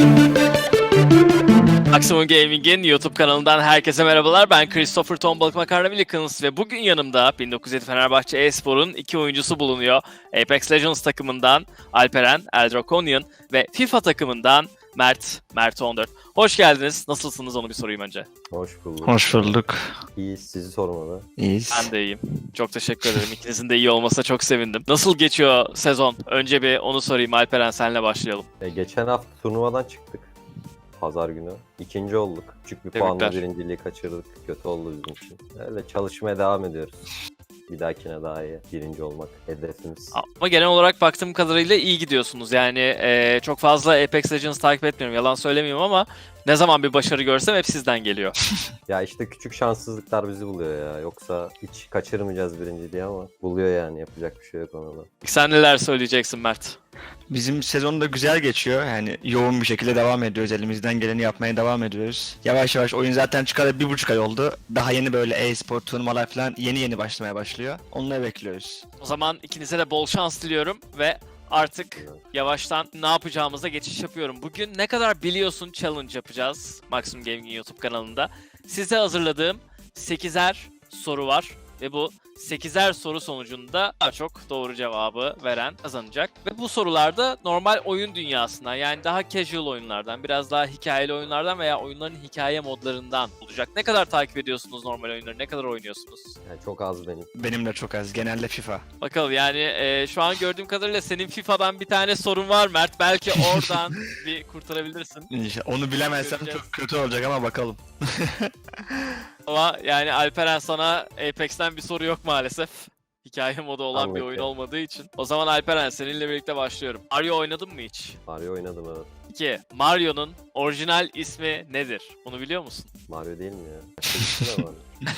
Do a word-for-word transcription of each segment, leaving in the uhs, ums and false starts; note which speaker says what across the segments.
Speaker 1: Maximum Gaming'in YouTube kanalından herkese merhabalar. Ben Christopher Tombalık Makarna Wilkins ve bugün yanımda bin dokuz yüz yedi Fenerbahçe e-spor'un iki oyuncusu bulunuyor. Apex Legends takımından Alperen Eldrokonian ve FIFA takımından Mert, Mert on dört. Hoş geldiniz. Nasılsınız onu bir sorayım önce.
Speaker 2: Hoş bulduk.
Speaker 3: Hoş bulduk.
Speaker 2: İyi, sizi sormalı.
Speaker 3: İyiyiz.
Speaker 1: Ben de iyiyim. Çok teşekkür ederim. İkinizin de iyi olmasına çok sevindim. Nasıl geçiyor sezon? Önce bir onu sorayım. Alperen senle başlayalım.
Speaker 2: E, geçen hafta turnuvadan çıktık. Pazar günü. İkinci olduk. Küçük bir
Speaker 1: Tebrikler.
Speaker 2: puanla birinciliği kaçırdık. Kötü oldu bizim için. Öyle çalışmaya devam ediyoruz. Bir dahakine daha iyi. Birinci olmak hedefimiz.
Speaker 1: Ama genel olarak baktığım kadarıyla iyi gidiyorsunuz. Yani e, çok fazla Apex Legends takip etmiyorum. Yalan söylemiyorum ama ne zaman bir başarı görsem hep sizden geliyor.
Speaker 2: Ya işte küçük şanssızlıklar bizi buluyor ya. Yoksa hiç kaçırmayacağız birinciliği ama buluyor yani. Yapacak bir şey yok ona da.
Speaker 1: Sen neler söyleyeceksin Mert?
Speaker 3: Bizim sezon da güzel geçiyor. Yani yoğun bir şekilde devam ediyoruz. Elimizden geleni yapmaya devam ediyoruz. Yavaş yavaş oyun zaten çıkalı bir buçuk ay oldu. Daha yeni böyle e-spor turnuvalar falan yeni yeni başlamaya başlıyor. Onları bekliyoruz.
Speaker 1: O zaman ikinize de bol şans diliyorum ve artık yavaştan ne yapacağımıza geçiş yapıyorum. Bugün ne kadar biliyorsun challenge yapacağız Maximum Gaming'in YouTube kanalında. Size hazırladığım sekizer soru var ve bu sekizer soru sonucunda daha çok doğru cevabı veren kazanacak. Ve bu sorularda normal oyun dünyasından, yani daha casual oyunlardan, biraz daha hikayeli oyunlardan veya oyunların hikaye modlarından olacak. Ne kadar takip ediyorsunuz normal oyunları, ne kadar oynuyorsunuz?
Speaker 2: Yani çok az benim.
Speaker 3: Benim de çok az. Genelde FIFA.
Speaker 1: Bakalım yani e, şu an gördüğüm kadarıyla senin FIFA'dan bir tane sorun var Mert. Belki oradan bir kurtarabilirsin.
Speaker 3: İşte onu bilemezsem
Speaker 1: Göreceğiz.
Speaker 3: çok kötü olacak ama bakalım.
Speaker 1: Ama yani Alperen, sana Apex'ten bir soru yok maalesef. Hikaye modu olan bir
Speaker 2: Anladım.
Speaker 1: oyun olmadığı için. O zaman Alperen, seninle birlikte başlıyorum. Mario oynadın mı hiç?
Speaker 2: Mario oynadım evet.
Speaker 1: iki. Mario'nun orijinal ismi nedir? Bunu biliyor musun?
Speaker 2: Mario değil mi ya? Başka bir şey de var.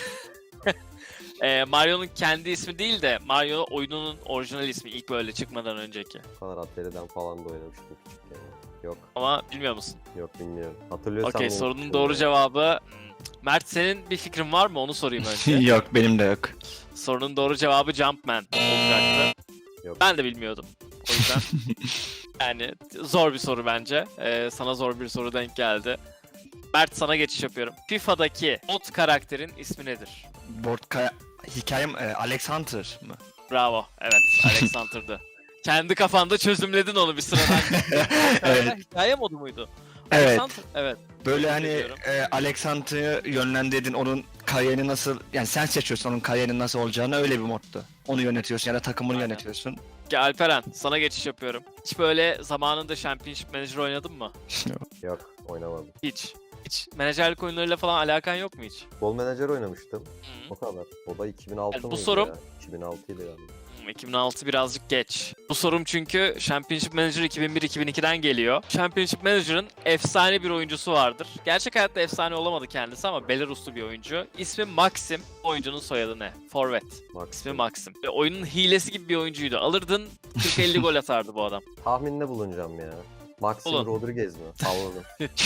Speaker 1: Ee, Mario'nun kendi ismi değil de Mario oyununun orijinal ismi, ilk böyle çıkmadan önceki.
Speaker 2: Bu kadar Atari'den falan da oynamıştım küçükken. Yok.
Speaker 1: Ama bilmiyor musun?
Speaker 2: Yok bilmiyorum. Hatırlıyorsam
Speaker 1: Okey,
Speaker 2: unutmuşum
Speaker 1: sorunun doğru
Speaker 2: ya.
Speaker 1: cevabı... Hmm. Mert, senin bir fikrin var mı? Onu sorayım önce.
Speaker 3: Yok, benim de yok.
Speaker 1: Sorunun doğru cevabı Jumpman olacaktı.
Speaker 2: Yok.
Speaker 1: Ben de bilmiyordum. O yüzden yani zor bir soru bence. Ee, sana zor bir soru denk geldi. Mert, sana geçiş yapıyorum. FIFA'daki bot karakterin ismi nedir?
Speaker 3: Board kaya... Hikayem e, Alex Hunter mı?
Speaker 1: Bravo. Evet, Alexander'dı. Kendi kafanda çözümledin onu bir sıradan.
Speaker 3: Evet.
Speaker 1: Hikaye modu muydu?
Speaker 3: Evet.
Speaker 1: Alexander, evet.
Speaker 3: Böyle
Speaker 1: Tebrik
Speaker 3: hani
Speaker 1: ediyorum.
Speaker 3: e, Alex Hunter'ı yönlendirdin, onun kariyerini nasıl, yani sen seçiyorsun onun kariyerinin nasıl olacağını, öyle bir moddu. Onu yönetiyorsun ya da takımını
Speaker 1: Aynen.
Speaker 3: yönetiyorsun.
Speaker 1: Ki Alperen, sana geçiş yapıyorum. Hiç böyle zamanında Championship Manager oynadın mı?
Speaker 2: Yok oynamadım.
Speaker 1: Hiç. Hiç menajerlik oyunlarıyla falan alakan yok mu hiç?
Speaker 2: Futbol menajer oynamıştım.
Speaker 1: Hı.
Speaker 2: O kadar. O da iki bin altı
Speaker 1: Yani bu
Speaker 2: mıydı
Speaker 1: sorum-
Speaker 2: ya? iki bin altıydı galiba.
Speaker 1: Hmm, iki bin altı birazcık geç. Bu sorum çünkü Championship Manager iki bin bir iki bin ikiden geliyor. Championship Manager'ın efsane bir oyuncusu vardır. Gerçek hayatta efsane olamadı kendisi ama Belaruslu bir oyuncu. İsmi Maxim. Oyuncunun soyadı ne? Forvet.
Speaker 2: Max.
Speaker 1: İsmi Maxim. Ve oyunun hilesi gibi bir oyuncuydu. Alırdın kırk elli gol atardı bu adam.
Speaker 2: Tahminde bulunacağım ya. Maxim
Speaker 1: Bulun.
Speaker 2: Rodriguez mi? Salladım.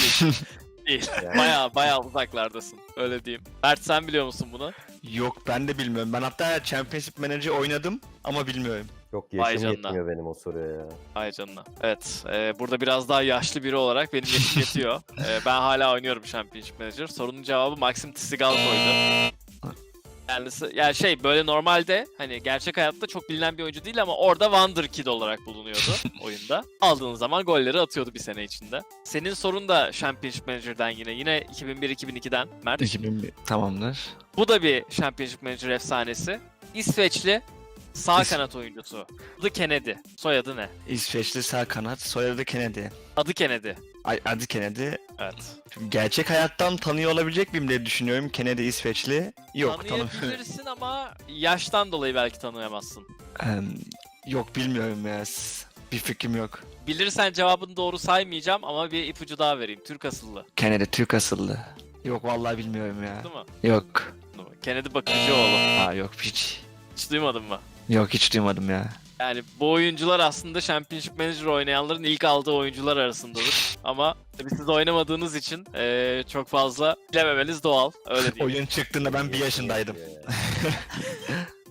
Speaker 1: Değil.
Speaker 2: Yani.
Speaker 1: Baya baya uzaklardasın. Öyle diyeyim. Mert, sen biliyor musun bunu?
Speaker 3: Yok, ben de bilmiyorum. Ben hatta Championship Manager oynadım ama bilmiyorum.
Speaker 2: Yok
Speaker 1: Vay
Speaker 2: yaşım
Speaker 1: canına.
Speaker 2: yetmiyor benim o soruya ya.
Speaker 1: Ay canına. Evet. e, burada biraz daha yaşlı biri olarak benim yaşım yetiyor. E, ben hala oynuyorum Championship Manager. Sorunun cevabı Maxim Tsigalko'ydu. Kendisi, yani şey, böyle normalde hani gerçek hayatta çok bilinen bir oyuncu değil ama orada Wonder Kid olarak bulunuyordu oyunda. Aldığın zaman golleri atıyordu bir sene içinde. Senin sorun da Championship Manager'dan yine. Yine iki bin bir iki bin ikiden Mert.
Speaker 3: iki bin bir. Tamamdır.
Speaker 1: Bu da bir Championship Manager efsanesi. İsveçli sağ
Speaker 3: İs-
Speaker 1: kanat oyuncusu. Adı Kennedy. Soyadı ne?
Speaker 3: İsveçli sağ kanat, soyadı Kennedy.
Speaker 1: Adı Kennedy.
Speaker 3: Ay, adı Kennedy.
Speaker 1: Evet.
Speaker 3: Şimdi gerçek hayattan tanıyor olabilecek miyim diye düşünüyorum. Kennedy İsveçli. Yok, tanı
Speaker 1: Tanıyabilirsin ama yaştan dolayı belki tanıyamazsın.
Speaker 3: Em, yok, bilmiyorum ya. S- Bir fikrim yok.
Speaker 1: Bilirsen cevabını doğru saymayacağım ama bir ipucu daha vereyim. Türk asıllı.
Speaker 3: Kennedy Türk asıllı. Yok, vallahi bilmiyorum ya.
Speaker 1: Değil mi?
Speaker 3: Yok.
Speaker 1: Kennedy Bakıcıoğlu.
Speaker 3: Ha, yok hiç.
Speaker 1: Hiç duymadın mı?
Speaker 3: Yok, hiç duymadım ya.
Speaker 1: Yani bu oyuncular aslında Championship Manager oynayanların ilk aldığı oyuncular arasındadır. Ama tabii siz oynamadığınız için eee, çok fazla bilememeniz doğal. Öyle diyeyim.
Speaker 3: Oyun çıktığında ben bir yaşındaydım.
Speaker 2: Yetmiyor ya.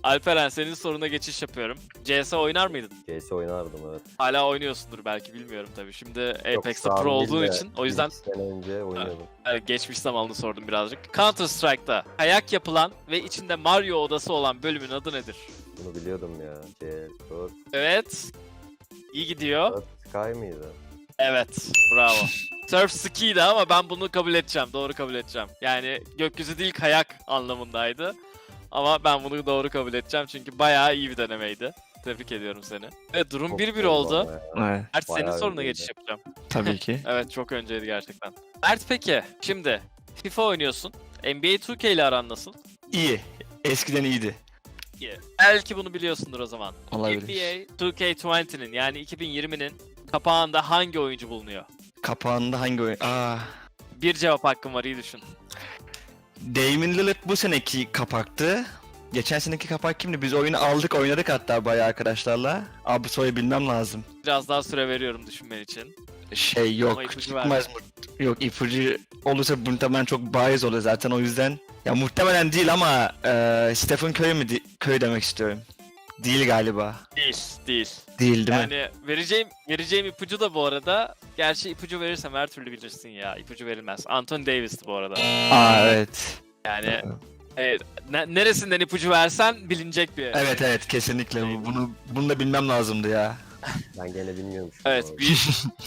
Speaker 1: Alperen senin soruna geçiş yapıyorum. C S oynar mıydın?
Speaker 2: C S oynardım evet.
Speaker 1: Hala oynuyorsundur belki bilmiyorum tabii. Şimdi
Speaker 2: Yok,
Speaker 1: Apex'te
Speaker 2: şu an
Speaker 1: pro olduğun
Speaker 2: değil de
Speaker 1: için o yüzden
Speaker 2: iki sene önce oynuyordum.
Speaker 1: evet, geçmiş zamanını sordum birazcık. Counter Strike'da kayak yapılan ve içinde Mario odası olan bölümün adı nedir?
Speaker 2: Bunu biliyordum ya. C dört,
Speaker 1: Evet. İyi gidiyor.
Speaker 2: dört Sky mıydı?
Speaker 1: Evet. Bravo. Surf ski'ydi ama ben bunu kabul edeceğim. Doğru kabul edeceğim. Yani gökyüzü değil kayak anlamındaydı. Ama ben bunu doğru kabul edeceğim çünkü bayağı iyi bir denemeydi. Tebrik ediyorum seni. Evet durum
Speaker 2: Çok
Speaker 1: bir bir
Speaker 2: zor
Speaker 1: oldu.
Speaker 2: ama ya.
Speaker 3: Evet,
Speaker 1: Mert senin
Speaker 2: Bayağı
Speaker 1: soruna
Speaker 2: önceydi.
Speaker 1: geçiş yapacağım.
Speaker 3: tabii ki.
Speaker 1: Evet çok önceydi gerçekten. Mert peki şimdi FIFA oynuyorsun. N B A iki K ile aran nasıl?
Speaker 3: İyi. Eskiden iyiydi.
Speaker 1: İyi. Belki bunu biliyorsundur o zaman.
Speaker 3: Olabilir.
Speaker 1: N B A iki K yirminin yani iki bin yirminin kapağında hangi oyuncu bulunuyor?
Speaker 3: Kapağında hangi oyun? Aa,
Speaker 1: Bir cevap hakkın var iyi düşün.
Speaker 3: Damian Lillard bu seneki kapaktı. Geçen seneki kapak kimdi? Biz oyunu aldık oynadık hatta bayağı arkadaşlarla. Abi soyu bilmem lazım.
Speaker 1: Biraz daha süre veriyorum düşünmen için.
Speaker 3: Şey yok
Speaker 1: Ama ipucu
Speaker 3: çıkmaz mı? Yok ipucu olursa muhtemelen çok bariz olur zaten o yüzden. Ya muhtemelen değil ama e, Stephen Curry mi? Di- Curry demek istiyorum. Değil galiba.
Speaker 1: Değil, değil.
Speaker 3: Değil değil mi?
Speaker 1: Yani vereceğim vereceğim ipucu da bu arada. Gerçi ipucu verirsem her türlü bilirsin ya. İpucu verilmez. Anthony Davis'ti bu arada.
Speaker 3: Aa evet.
Speaker 1: Yani evet, ne- neresinden ipucu versen bilinecek bir.
Speaker 3: Evet evet kesinlikle. Bu- Bunu bunu da bilmem lazımdı ya.
Speaker 2: Ben gene bilmiyormuşum.
Speaker 1: Evet,
Speaker 2: bu arada.
Speaker 1: büyük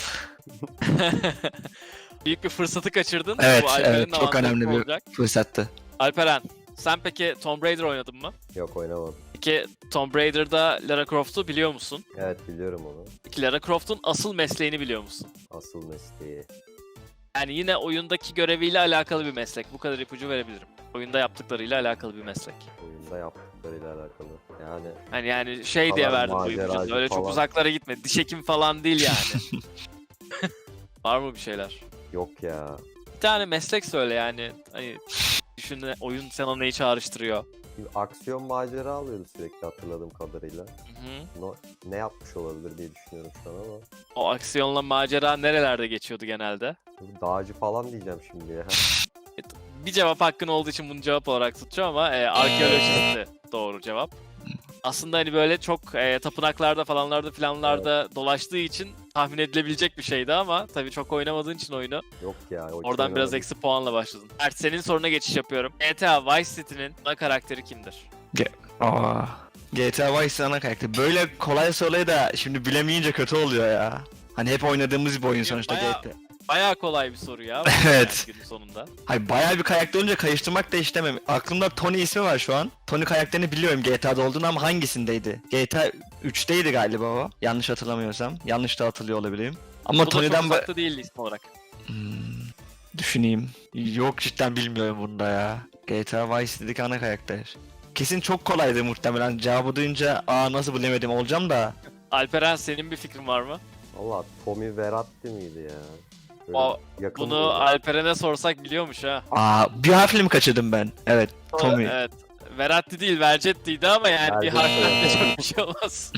Speaker 1: büyük bir fırsatı kaçırdın.
Speaker 3: Evet,
Speaker 1: Bu Alperen'in
Speaker 3: evet, çok
Speaker 1: avantajı
Speaker 3: önemli bir-
Speaker 1: olacak.
Speaker 3: Fırsattı.
Speaker 1: Alperen, sen peki Tomb Raider oynadın mı?
Speaker 2: Yok oynamadım.
Speaker 1: Peki Tomb Raider'da Lara Croft'u biliyor musun?
Speaker 2: Evet biliyorum onu.
Speaker 1: Peki Lara Croft'un asıl mesleğini biliyor musun?
Speaker 2: Asıl mesleği.
Speaker 1: Yani yine oyundaki göreviyle alakalı bir meslek. Bu kadar ipucu verebilirim. Oyunda yaptıklarıyla alakalı bir meslek.
Speaker 2: Oyunda yaptıklarıyla alakalı. Yani
Speaker 1: Hani yani şey diye
Speaker 2: Falan
Speaker 1: verdim bu
Speaker 2: maceracı
Speaker 1: ipucunu. Öyle çok
Speaker 2: falan.
Speaker 1: uzaklara gitme. Diş hekim falan değil yani. Var mı bir şeyler?
Speaker 2: yok ya.
Speaker 1: Bir tane meslek söyle yani. Hani düşün oyun sana neyi çağrıştırıyor.
Speaker 2: Bir aksiyon macera alıyordu sürekli hatırladığım kadarıyla.
Speaker 1: Hı-hı.
Speaker 2: No, ne yapmış olabilir diye düşünüyorum şu an ama.
Speaker 1: O aksiyonla macera nerelerde geçiyordu genelde?
Speaker 2: Dağcı falan diyeceğim şimdi ya.
Speaker 1: Bir cevap hakkın olduğu için bunu cevap olarak tutacağım ama e, arkeolojisti doğru cevap. Aslında hani böyle çok e, tapınaklarda falanlarda filanlarda dolaştığı için tahmin edilebilecek bir şeydi ama tabii çok oynamadığın için oyunu
Speaker 2: Yok ya. o
Speaker 1: oradan
Speaker 2: hiç
Speaker 1: biraz
Speaker 2: oynamadım.
Speaker 1: eksi puanla başladın. Mert senin soruna geçiş yapıyorum. G T A Vice City'nin ana karakteri kimdir?
Speaker 3: Aa. G T A Vice ana karakter. Böyle kolay soruyu da şimdi bilemeyince kötü oluyor ya. Hani hep oynadığımız bir oyun sonuçta
Speaker 1: Bayağı-
Speaker 3: G T A.
Speaker 1: Bayağı kolay bir soru ya.
Speaker 3: Evet.
Speaker 1: Yani günün sonunda.
Speaker 3: Hayır bayağı bir karakter olunca karıştırmak da istemem. Aklımda Tony ismi var şu an. Tony karakterini biliyorum G T A'da olduğunu ama hangisindeydi? G T A üçteydi galiba o. Yanlış hatırlamıyorsam. Yanlış da hatırlıyor olabilirim. Ama
Speaker 1: Bu da çok
Speaker 3: Tony'den ba-
Speaker 1: uzakta değildi isim olarak.
Speaker 3: Hmm, düşüneyim. Yok cidden bilmiyorum bunda ya. G T A Vice dedik ana karakter. Kesin çok kolaydı muhtemelen. Cevabı duyunca aa nasıl bilemedim olacağım da.
Speaker 1: Alperen senin bir fikrin var mı?
Speaker 2: Valla Tommy Verratti miydi ya? Böyle
Speaker 1: O-
Speaker 2: yakın
Speaker 1: Bunu
Speaker 2: mıydı?
Speaker 1: Alperen'e sorsak biliyormuş ha.
Speaker 3: Aa bir harfle mi kaçırdım ben? Evet Tommy.
Speaker 1: Evet. Veratti değil, Vercetti'ydi ama yani bir
Speaker 2: Vercetti,
Speaker 1: harften de
Speaker 2: evet.
Speaker 1: çok bir şey olmaz.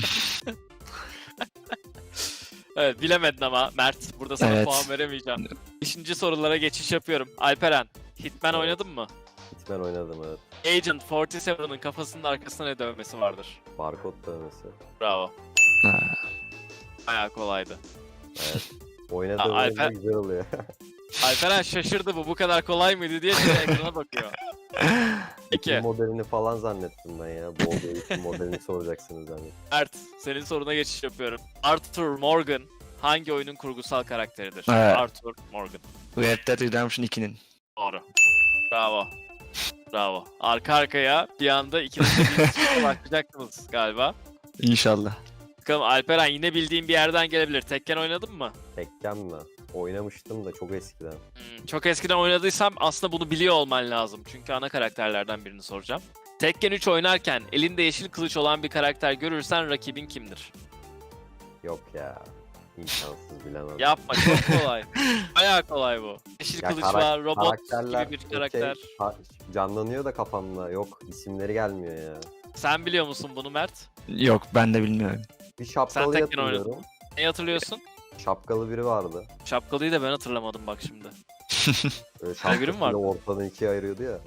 Speaker 1: Evet bilemedin ama Mert. Burada sana
Speaker 3: Evet.
Speaker 1: puan veremeyeceğim. Beşinci sorulara geçiş yapıyorum. Alperen, Hitman
Speaker 2: Evet.
Speaker 1: oynadın mı?
Speaker 2: Hitman oynadım evet.
Speaker 1: Agent kırk yedi'nin kafasının arkasında ne dövmesi vardır?
Speaker 2: Barkod dövmesi.
Speaker 1: Bravo.
Speaker 3: Ha.
Speaker 1: Bayağı kolaydı.
Speaker 2: Evet. Oynadığım
Speaker 1: Aa,
Speaker 2: oyunda
Speaker 1: Alper-
Speaker 2: güzel oluyor.
Speaker 1: Alperen şaşırdı bu bu kadar kolay mıydı diye şimdi ekrana bakıyor.
Speaker 2: Ekim
Speaker 1: Peki
Speaker 2: modelini falan zannettim ben ya. Bu olduğu için modelini soracaksınız zannettim.
Speaker 1: Mert, senin soruna geçiş yapıyorum. Arthur Morgan hangi oyunun kurgusal karakteridir?
Speaker 3: Evet.
Speaker 1: Arthur Morgan.
Speaker 3: Red Dead Redemption ikinin.
Speaker 1: Doğru. Bravo. Bravo. Arka arkaya bir anda ikiniz de bir başlayacaktınız galiba.
Speaker 3: İnşallah.
Speaker 1: Bakalım Alperen yine bildiğin bir yerden gelebilir. Tekken oynadın mı?
Speaker 2: Tekken mi? Oynamıştım da çok eskiden.
Speaker 1: Hmm, çok eskiden oynadıysam aslında bunu biliyor olman lazım. Çünkü ana karakterlerden birini soracağım. Tekken üç oynarken elinde yeşil kılıç olan bir karakter görürsen rakibin kimdir?
Speaker 2: Yok ya. İmkansız bilemem.
Speaker 1: Yapma çok kolay. Bayağı kolay bu. Yeşil
Speaker 2: Ya
Speaker 1: kılıç
Speaker 2: karak-
Speaker 1: var, robot
Speaker 2: karakterler
Speaker 1: gibi bir
Speaker 2: okey,
Speaker 1: karakter.
Speaker 2: ha- canlanıyor da kafamda. Yok isimleri gelmiyor ya.
Speaker 1: Sen biliyor musun bunu Mert?
Speaker 3: Yok ben de bilmiyorum.
Speaker 2: Bir
Speaker 1: Sen
Speaker 2: şapkalı
Speaker 1: Tekken oynadın
Speaker 2: hatırlıyorum.
Speaker 1: mı? Neyi hatırlıyorsun?
Speaker 2: Şapkalı biri vardı.
Speaker 1: Şapkalıyı da ben hatırlamadım bak şimdi.
Speaker 2: Böyle
Speaker 1: Öyle biri mi
Speaker 2: şapkasıyla
Speaker 1: vardı?
Speaker 2: ortadan ikiye ayırıyordu ya.
Speaker 1: Hmm.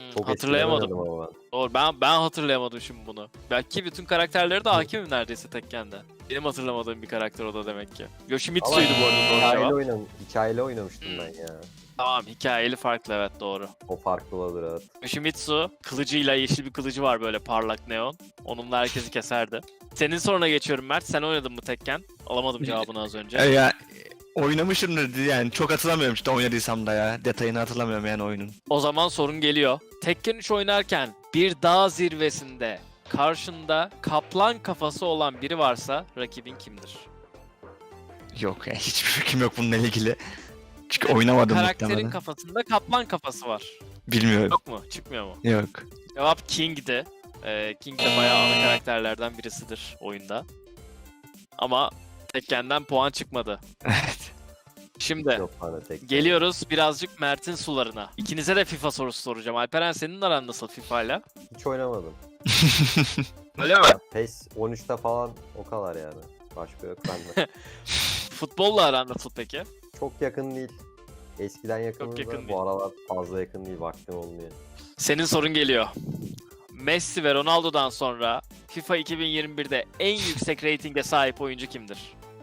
Speaker 2: Çok
Speaker 1: hatırlayamadım.
Speaker 2: eskiden oynadım ama ben.
Speaker 1: Doğru, ben ben hatırlayamadım şimdi bunu. Belki bütün karakterleri de hakimim neredeyse Tekken'de. Benim hatırlamadığım bir karakter o da demek ki. Yoshimitsu'ydu bu arada doğru
Speaker 2: Hikayeli,
Speaker 1: cevap.
Speaker 2: oynam hikayeli oynamıştım
Speaker 1: Hmm.
Speaker 2: ben ya.
Speaker 1: Tamam, hikayeli farklı, evet doğru.
Speaker 2: O farklı olur evet.
Speaker 1: Yoshimitsu kılıcıyla, yeşil bir kılıcı var böyle parlak neon. Onunla herkesi keserdi. Senin soruna geçiyorum Mert. Sen oynadın mı Tekken? Alamadım cevabını az önce.
Speaker 3: E, ya oynamışımdır yani çok hatırlamıyorum işte oynadıysam da ya. Detayını hatırlamıyorum yani oyunun.
Speaker 1: O zaman sorun geliyor. Tekken üç oynarken bir dağ zirvesinde karşında kaplan kafası olan biri varsa rakibin kimdir?
Speaker 3: Yok ya hiçbir fikrim yok bununla ilgili. Çünkü oynamadım
Speaker 1: Karakterin
Speaker 3: muhtemelen.
Speaker 1: kafasında kaplan kafası var.
Speaker 3: Bilmiyorum.
Speaker 1: Yok mu? Çıkmıyor mu?
Speaker 3: Yok.
Speaker 1: Cevap King'di. Ee, King de bayağı ana karakterlerden birisidir oyunda. Ama Tekken'den puan çıkmadı.
Speaker 3: Evet.
Speaker 1: Şimdi
Speaker 2: Yok bana tek.
Speaker 1: geliyoruz birazcık Mert'in sularına. İkinize de FIFA sorusu soracağım. Alperen, senin aran nasıl FIFA'yla?
Speaker 2: Hiç oynamadım.
Speaker 1: Öyle mi?
Speaker 2: PES on üçte falan o kadar yani. Başka yok bende.
Speaker 1: Futbolla aran nasıl peki?
Speaker 2: Çok yakın değil. Eskiden yakınız
Speaker 1: yakın
Speaker 2: da
Speaker 1: değil.
Speaker 2: bu aralar fazla yakın değil. Vaktim olmuyor.
Speaker 1: Senin sorun geliyor. Messi ve Ronaldo'dan sonra FIFA iki bin yirmi birde en yüksek reytinge sahip oyuncu kimdir?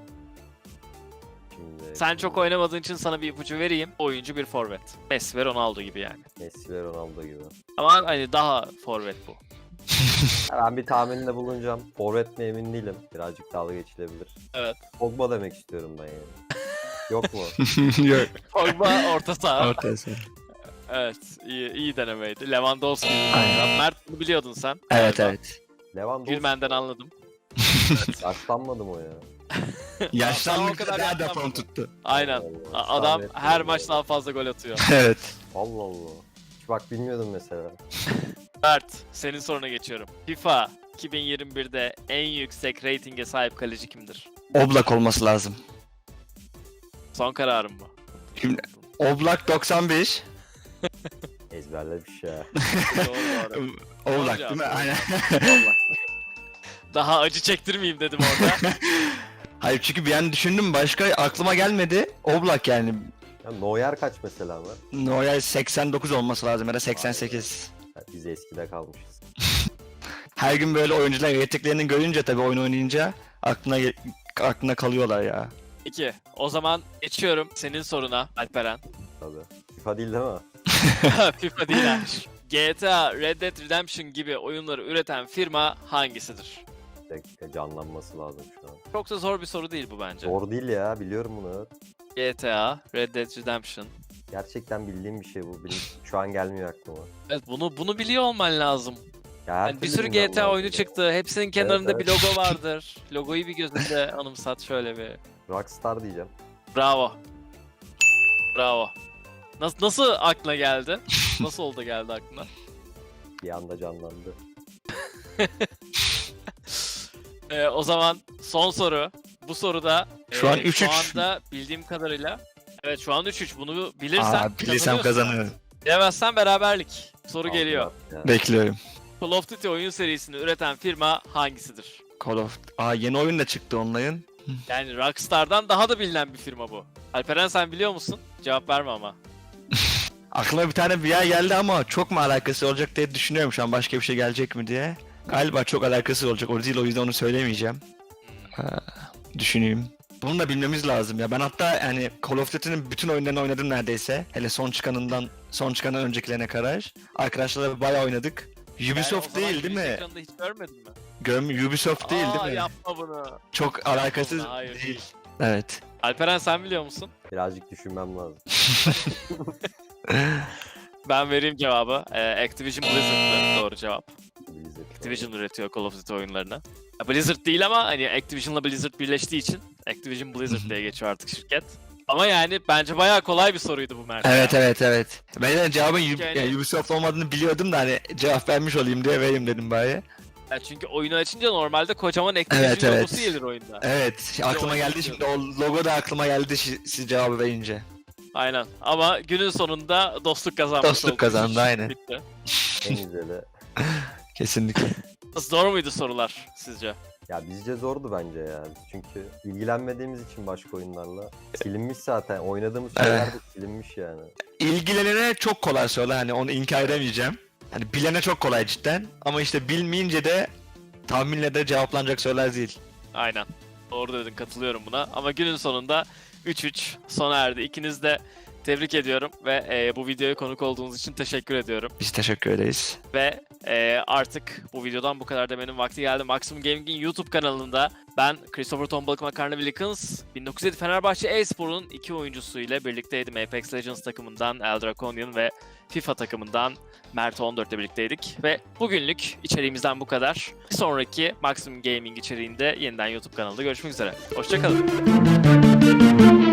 Speaker 2: Şimdi
Speaker 1: Sen çok oynamadığın için sana bir ipucu vereyim. Oyuncu bir forvet. Messi ve Ronaldo gibi yani.
Speaker 2: Messi ve Ronaldo gibi.
Speaker 1: Ama hani daha forvet bu.
Speaker 2: Ben bir tahminde bulunacağım. Forvet mi emin değilim. Birazcık dalga geçilebilir.
Speaker 1: Evet.
Speaker 2: Pogba demek istiyorum ben yani. Yok mu?
Speaker 3: Yok.
Speaker 1: Pogba orta saha.
Speaker 3: Ortası.
Speaker 1: Evet, iyi, iyi denemeydi. Lewandowski.
Speaker 3: Aynen.
Speaker 1: Mert, bunu biliyordun sen.
Speaker 3: Evet
Speaker 1: galiba.
Speaker 3: evet.
Speaker 2: Lewandowski.
Speaker 1: Gülmen'den anladım.
Speaker 2: Yaşlanmadım o ya.
Speaker 1: Daha o
Speaker 3: Yaşlandıkça
Speaker 1: kadar
Speaker 3: daha da
Speaker 1: yaşlanmadı.
Speaker 3: form tuttu.
Speaker 1: Aynen.
Speaker 2: Allah Allah.
Speaker 1: A- Adam
Speaker 2: Tahmin
Speaker 1: her
Speaker 2: etmedim
Speaker 1: maç
Speaker 2: ya.
Speaker 1: daha fazla gol atıyor.
Speaker 3: Evet.
Speaker 2: Allah Allah. Hiç bak bilmiyordum mesela.
Speaker 1: Mert, senin soruna geçiyorum. FIFA iki bin yirmi birde en yüksek reytinge sahip kaleci kimdir?
Speaker 3: Oblak olması lazım.
Speaker 1: Son kararım mı?
Speaker 3: Şimdi Oblak doksan beş.
Speaker 2: Ezberlemiş ya.
Speaker 1: Doğru doğru.
Speaker 3: Oblak
Speaker 1: cevap,
Speaker 3: değil mi?
Speaker 1: doğru.
Speaker 3: Aynen.
Speaker 1: Vallahi. Daha acı çektirmeyeyim dedim orada.
Speaker 3: Hayır çünkü bir an düşündüm başka aklıma gelmedi. Oblak yani.
Speaker 2: Ya Neuer kaç mesela var?
Speaker 3: Neuer seksen dokuz olması lazım ya da seksen sekiz.
Speaker 2: Ya biz eskide kalmışız.
Speaker 3: Her gün böyle oyuncular yeteneklerini görünce tabii oyun oynayınca aklına ge- aklına kalıyorlar ya.
Speaker 1: İki. O zaman geçiyorum senin soruna Alperen.
Speaker 2: Tabii. FIFA değil değil mi?
Speaker 1: FIFA değil ha. G T A, Red Dead Redemption gibi oyunları üreten firma hangisidir?
Speaker 2: Bir dakika canlanması lazım şu an.
Speaker 1: Çok da zor bir soru değil bu bence.
Speaker 2: Zor değil ya biliyorum bunu.
Speaker 1: G T A, Red Dead Redemption.
Speaker 2: Gerçekten bildiğim bir şey bu. Benim şu an gelmiyor aklıma.
Speaker 1: Evet, bunu bunu biliyor olman lazım.
Speaker 2: Ya her
Speaker 1: Yani bir
Speaker 2: türlü
Speaker 1: sürü
Speaker 2: bilmem
Speaker 1: G T A
Speaker 2: lazım
Speaker 1: oyunu
Speaker 2: ya.
Speaker 1: çıktı. Hepsinin kenarında
Speaker 2: evet.
Speaker 1: bir logo vardır. Logoyu bir gözünde anımsat şöyle bir.
Speaker 2: Rockstar diyeceğim.
Speaker 1: Bravo. Bravo. Nasıl nasıl aklına geldi? Nasıl oldu geldi aklına?
Speaker 2: Bir anda canlandı.
Speaker 1: Ee, o zaman son soru. Bu soruda
Speaker 3: Şu an
Speaker 1: e,
Speaker 3: üç
Speaker 1: şu
Speaker 3: üç.
Speaker 1: anda bildiğim kadarıyla evet şu an üç üç. Bunu bilirsen
Speaker 3: Aa, bilirsem
Speaker 1: kazanıyorsun.
Speaker 3: kazanıyorum.
Speaker 1: Bilemezsen beraberlik. Soru
Speaker 2: Altı
Speaker 1: geliyor.
Speaker 2: at ya.
Speaker 3: Bekliyorum.
Speaker 1: Call of Duty oyun serisini üreten firma hangisidir?
Speaker 3: Call of... Aa yeni oyun da çıktı onların.
Speaker 1: Yani Rockstar'dan daha da bilinen bir firma bu. Alperen, sen biliyor musun? Cevap verme ama.
Speaker 3: Aklıma bir tane bir yer geldi ama çok mu alakası olacak diye düşünüyorum şu an başka bir şey gelecek mi diye. Galiba çok alakası olacak o değil o yüzden onu söylemeyeceğim. Ha, düşüneyim. Bunu da bilmemiz lazım ya. Ben hatta yani Call of Duty'nin bütün oyunlarını oynadım neredeyse. Hele son çıkanından son çıkandan öncekilerine kadar. Arkadaşlarla bayağı oynadık. Ubisoft
Speaker 1: Yani o zaman
Speaker 3: değil değil
Speaker 1: Twitch
Speaker 3: mi?
Speaker 1: ekranında hiç görmedin mi?
Speaker 3: Görm Ubisoft değil
Speaker 1: Aa,
Speaker 3: değil mi?
Speaker 1: yapma bunu.
Speaker 3: Çok alakasız
Speaker 1: Yapma, hayır,
Speaker 3: değil.
Speaker 1: değil.
Speaker 3: Evet.
Speaker 1: Alperen, sen biliyor musun?
Speaker 2: Birazcık düşünmem lazım.
Speaker 1: Ben vereyim cevabı. Ee, Activision Blizzard'dı doğru cevap.
Speaker 2: Blizzard.
Speaker 1: Activision üretiyor Call of Duty oyunlarını. Ya Blizzard değil ama hani Activision'la Blizzard birleştiği için Activision Blizzard diye geçiyor artık şirket. Ama yani bence bayağı kolay bir soruydu bu Mert.
Speaker 3: Evet
Speaker 1: ya.
Speaker 3: evet evet. Ben de cevabın
Speaker 1: Çünkü
Speaker 3: Ub-
Speaker 1: hani-
Speaker 3: yani Ubisoft olmadığını biliyordum da hani cevap vermiş olayım diye vereyim dedim bari.
Speaker 1: Ya çünkü oyunu açınca normalde kocaman Activision
Speaker 3: Evet, evet.
Speaker 1: logosu gelir oyunda.
Speaker 3: Evet aklıma
Speaker 1: oyun
Speaker 3: geldi şimdi o logo da aklıma geldi şi- siz cevabı verince.
Speaker 1: Aynen. Ama günün sonunda dostluk kazanmış
Speaker 3: Dostluk
Speaker 1: oldu.
Speaker 3: kazandı, aynen.
Speaker 1: Bitti.
Speaker 2: En güzeli.
Speaker 3: Kesinlikle.
Speaker 1: Zor muydu sorular sizce?
Speaker 2: Ya bizce zordu bence ya. Biz çünkü ilgilenmediğimiz için başka oyunlarla. Silinmiş zaten. Oynadığımız şeyler de silinmiş yani.
Speaker 3: İlgilenene çok kolay soru hani onu inkar edemeyeceğim. Hani bilene çok kolay cidden ama işte bilmeyince de tahminle de cevaplanacak sorular değil.
Speaker 1: Aynen. Doğru dedin, katılıyorum buna. Ama günün sonunda üç üç sona erdi. İkiniz de tebrik ediyorum ve e, bu videoya konuk olduğunuz için teşekkür ediyorum.
Speaker 3: Biz teşekkür ederiz.
Speaker 1: Ve e, artık bu videodan bu kadar demenin vakti geldi. Maximum Gaming'in YouTube kanalında ben Christopher Tombalık Makarna Wilkins, bin dokuz yüz yedi Fenerbahçe e-spor'un iki oyuncusu ile birlikteydim. Apex Legends takımından Eldraconian ve FIFA takımından Mert on dört ile birlikteydik. Ve bugünlük içeriğimizden bu kadar. Bir sonraki Maximum Gaming içeriğinde yeniden YouTube kanalında görüşmek üzere. Hoşçakalın.